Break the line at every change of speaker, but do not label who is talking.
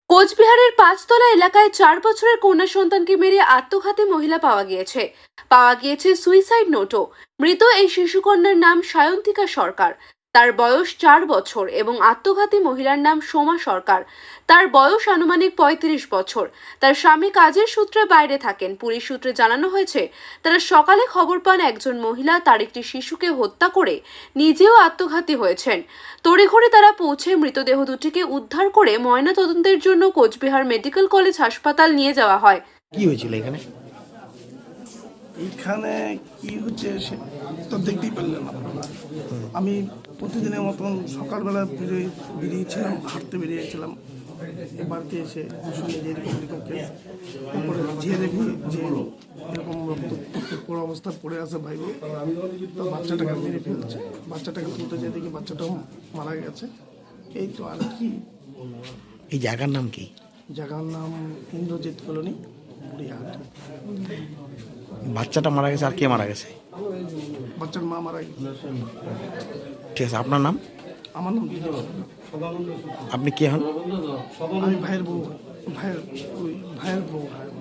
কোচবিহারের পাঁচতলা এলাকায় 4 বছরের কন্যা সন্তানকে মেরে আত্মঘাতী মহিলা পাওয়া গিয়েছে সুইসাইড নোটও। মৃত এই শিশুকন্যার নাম সায়ন্তিকা সরকার। তার বয়স 4 বছর এবং আত্মঘাতী মহিলার নাম সোমা সরকার। তার বয়স আনুমানিক 35 বছর। তার স্বামী কাজের সূত্রে বাইরে থাকেন। পুলিশ সূত্রে জানানো হয়েছে, তারা সকালে খবর পান একজন মহিলা তার একটি শিশুকে হত্যা করে নিজেও আত্মঘাতী হয়েছেন। তড়িঘড়ি তারা পৌঁছে মৃতদেহ দুটিকে উদ্ধার করে ময়নাতদন্তের জন্য কোচবিহার মেডিকেল কলেজ হাসপাতাল নিয়ে যাওয়া হয়।
কি হয়েছিল এখানে?
এইখানে কি হচ্ছে সে তো দেখতেই পারলেন আপনারা। আমি প্রতিদিনের মতন সকালবেলা বেরিয়েছিলাম, হাঁটতে বেরিয়েছিলাম। বাড়িতে এসে শুনি যে এরকম কেস। তারপরে যে দেখি যে এরকম পুরো অবস্থা পড়ে আছে ভাইব, তো বাচ্চাটাকে মেরে ফেলছে। বাচ্চাটাকে তুলতে যেয়ে দেখি বাচ্চাটাও মারা গেছে। এই তো আর কি।
এই জায়গার নাম কি?
জায়গার নাম ইন্দ্রজিৎ কলোনি, বুড়িহাট।
বাচ্চাটা মারা গেছে, আর কে মারা গেছে?
বাচ্চার মা মারা গেছে।
ঠিক আছে, আপনার নাম?
আমার নাম দিলীপ।
আপনি কে হন?
আমি ভাইয়ের বউ, ভাইয়ের বউ হয়।